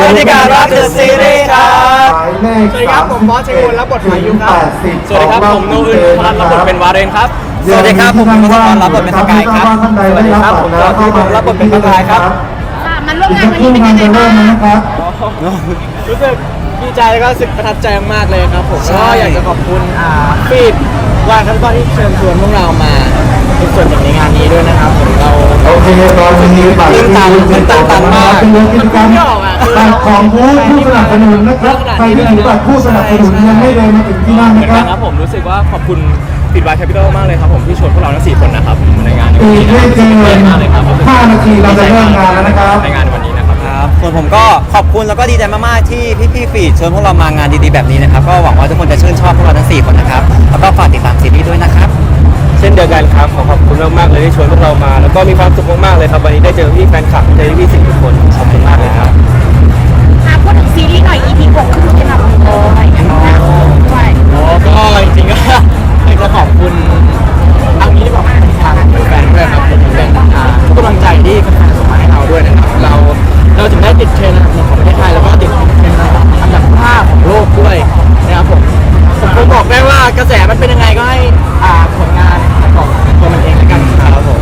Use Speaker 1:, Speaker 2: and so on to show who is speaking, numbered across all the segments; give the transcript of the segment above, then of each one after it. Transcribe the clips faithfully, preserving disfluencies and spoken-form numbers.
Speaker 1: บรรยากาศรักเดอะซีรีส์ครับ
Speaker 2: สวัสดีครับผมบอสชัยกุลรับบทพายุครับ
Speaker 1: สวัสดีครับผมโนอื่นพันรับบทเป็นวาเรนครับ
Speaker 3: สวัสดีครับผมมังกรรับบทเป็นสกายครับ
Speaker 2: สวัสดีครับผมก็ที่ผมรับบทเป็นพกายครับ
Speaker 4: ค่ะมาร่วมงานวันนี้เป็นยังไงบ้าง
Speaker 2: รู้สึกดีใจแล้วก็รู้สึกประทับใจมากๆเลยครับผม
Speaker 3: ใช่
Speaker 2: ก็อยากจะขอบคุณอ่าฟีดวานครับก็ที่เชิญชวนพวกเรามาเป็นส่วนหนึ่งในงานนี้ด้วยนะครับผมเรา
Speaker 5: โอเคตอนนี้บัตร
Speaker 3: ตื่นตันตื่นตันตันมาก
Speaker 5: เป็นกิจกรรมบัตรของผู้ผู้สนับสนุนนะครับใครที่ถือบัตรผู้สนับสนุนยังไม่เดินมาถึงที่นั่น
Speaker 1: เหมือ
Speaker 5: นะ
Speaker 1: น
Speaker 5: ค
Speaker 1: กั
Speaker 5: รั
Speaker 1: น
Speaker 5: บ
Speaker 1: ครับผมรู้สึกว่าขอบคุณฟิดวายแคปิตอลมากเลยครับผมที่ชวนพวกเราทั้งสี่คนนะครับในงานในวัน
Speaker 5: อี
Speaker 1: นี้
Speaker 5: ก
Speaker 1: นะค
Speaker 5: ไม่
Speaker 1: รับ
Speaker 5: เกิน
Speaker 1: มากเลยครับ
Speaker 5: ห้านาทีเราจะเริ่มงานแล้วนะครับ
Speaker 1: ในงานวันนี้นะครับ
Speaker 3: ครับส่วนผมก็ขอบคุณแล้วก็ดีใจมากๆที่พี่ๆฟีดเชิญพวกเรามางานดีๆแบบนี้นะครับก็หวังว่าทุกคนจะชื่นชอบพวกเราทั้งสี่คนนะครับแล้วก็ฝากติดตามซีรีส์ด้วยนะครับ
Speaker 1: เช่นเดียวกันครับขอขอบคุณมากๆเลยที่ชวนพวกเรามา แล้วก็มีความสุขมากๆเลยครับวันนี้ได้เจอพี่แฟนคลับเจอพี่สี่ทุกคนขอบคุณมากเลยครับ
Speaker 4: อ่ะพูดถึงซีรีส์หน่อย อี พี หกคือเป็นแบบโอ้ยอย่างนี้นะด้วย
Speaker 2: โอ้ก็จริงๆก็อยากจะขอบคุณทางนี้ที่บอกทางแฟนๆด้วยครับผมเป็นอ่าทุกกำลังใจที่แฟนๆส่งมาให้เราด้วยนะครับเราเราถึงได้ติดเทรนด์อันดับหนึ่งของประเทศไทยแล้วก็ติดเทรนด์อันดับห้าของโลกด้วยนะครับผมผมคงบอกได้ว่ากระแสมันเป็นยังไงก็ให้อ่าผลงานของตัวมันเองแล้วกันครับผม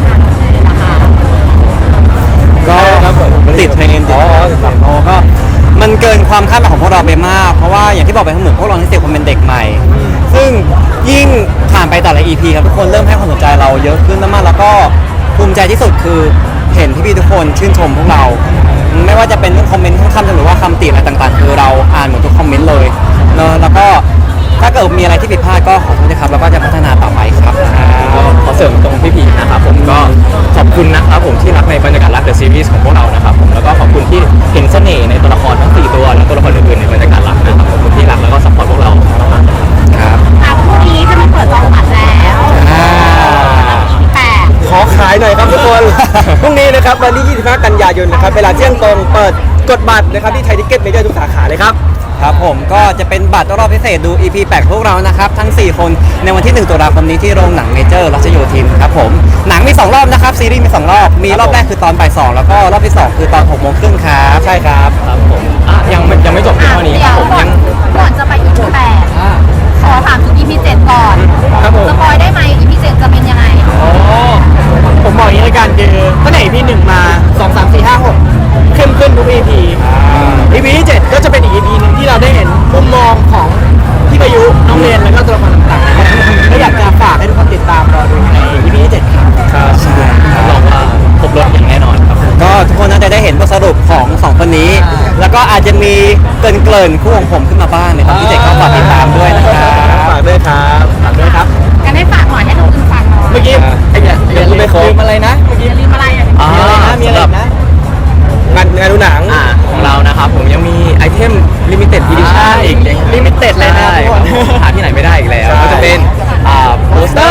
Speaker 3: ก็
Speaker 1: ครับผม
Speaker 3: ติดเทรนด์ติด
Speaker 1: อ๋อ
Speaker 3: โอ้ก็มันเกินความคาดหมายของพวกเราไปมาก เพราะว่าอย่างที่บอกไปทั้งหมดพวกเราทั้งสี่คนเป็นเด็กใหม่ ซึ่งยิ่งผ่านไปแต่ละ อี พี ครับทุกคนเริ่มให้ความสนใจเราเยอะขึ้นมากๆแล้วก็ภูมิใจที่สุดคือเห็นพี่ๆทุกคนชื่นชมพวกเรา ไม่ว่าจะเป็นเรื่องคอมเมนต์ข้างๆหรือว่าคำติอะไรต่างๆ คือเราอ่านหมดทุกคอมเมนต์เลยเนอะแล้วก็ถ้าเกิดมีอะไรที่ผิดพลาดก็ขอโทษนะครับแล้วก็จะพัฒนาต่อไปครับ
Speaker 1: ก็ขอเสริมตรงพี่พีนะครับผมก็ขอบคุณนะครับผมที่รักในบรรยากาศรักเดอะซีรีส์ของพวกเรานะครับผมแล้วก็ขอบคุณที่เห็นเสน่ห์ในตัวละครทั้งสี่ตัวและตัวละครอื่นๆในบรรยากาศรักนะครับขอบคุณที่รักแล้วก็ซัพพอร์ตพวกเรามากๆนะครับ
Speaker 3: ครับ
Speaker 4: อ่ะพรุ่งนี้จะมาเปิดจองบัตรแล้ว
Speaker 3: อ่า
Speaker 4: อี พี แปด
Speaker 2: ขอขายหน่อยครับทุกคน พรุ่งนี้นะครับวันที่ยี่สิบห้ากันยายนนะครับเวลาเที่ยงตรงเปิดกดบัตรนะครับที่ไทยทิเก็ตเมเจอร์ทุกสาขาเลยครับ
Speaker 3: ครับผมก็จะเป็นบัตรรอบพิเศษดู อี พี แปดพวกเรานะครับ ทั้ง สี่ คนในวันที่หนึ่งตุลาคมนี้ที่โรงหนังเมเจอร์รัชโยธินครับผมหนังมี สอง รอบนะครับ ซีรีส์มี สอง รอบ มีรอบแรกคือตอนบ่ายสองแล้วก็รอบที่ สอง คือตอนหกโมงครึ่งครับ
Speaker 1: ใช่ครับครับผมอ่ะยังไม่ยังไม่จบเพียงเท่านี้ครับผม
Speaker 4: ก่อ
Speaker 1: ยั
Speaker 4: น
Speaker 1: ง
Speaker 4: ก่อนจะไป อี พี แปดขอถามถึง อี พี เจ็ดก่อน
Speaker 2: ครับผม
Speaker 4: สปอยได้ไหม อี พี เจ็ดจะเป็นยังไง
Speaker 2: อ๋อผมบอกอย่างนี้ในการคือตั้งแต่ อี พี หนึ่งมาสอง สาม สี่ ห้า หกเข้มขึ้นทุก อี พี อี พี ที่เจ็ดก็จะเป็นอีก อี พี หนึ่งที่เราได้เห็นมุมมองของพี่ประยุน้องเรียนแล้วก็ตัวละครต่างๆนะครับก็อยากจะฝากให้ทุกคนติดตามรอดูใน อี พี ที่เจ็ดครับ
Speaker 1: ครับใช่รับรองว่าครบรถอย่างแน่นอนครับ
Speaker 3: ก็ทุกคนน่าจะได้เห็นบทสรุปของสองคนนี้ แล้วก็อาจจะมีเกรินเกรินๆคู่ของผมขึ้นมาบ้างในตอนที่เจ็ดก็ฝากติดตามด้วยนะครับ
Speaker 1: ฝากด้วยครับฝากด้วยครับ
Speaker 4: กันให้ฝากหน่อยให้น้องอื่นฝากหน่อย
Speaker 2: เมื่อกี้ไอ้เนี่ย
Speaker 1: เดี๋ยวพูดไม่ครบ
Speaker 2: ลืมอะไรนะเมื่อกี้
Speaker 4: อย่าลืมอะไรอ่ะ
Speaker 1: อ่า
Speaker 2: มีอะไรนะมีอะไรอีกนะงานงานดูหนัง
Speaker 1: อ่าของเรานะครับผมยังมีไอเทมลิมิเต็ดอีดิชั่นอีก
Speaker 2: ลิมิเต็ดเลยนะ
Speaker 1: ใช่
Speaker 2: ทุกคน
Speaker 1: หาที่ไหนไม่ได้อีกแล้ว
Speaker 2: ใช่
Speaker 1: ก็จะเป็นอ่าโปสเตอร์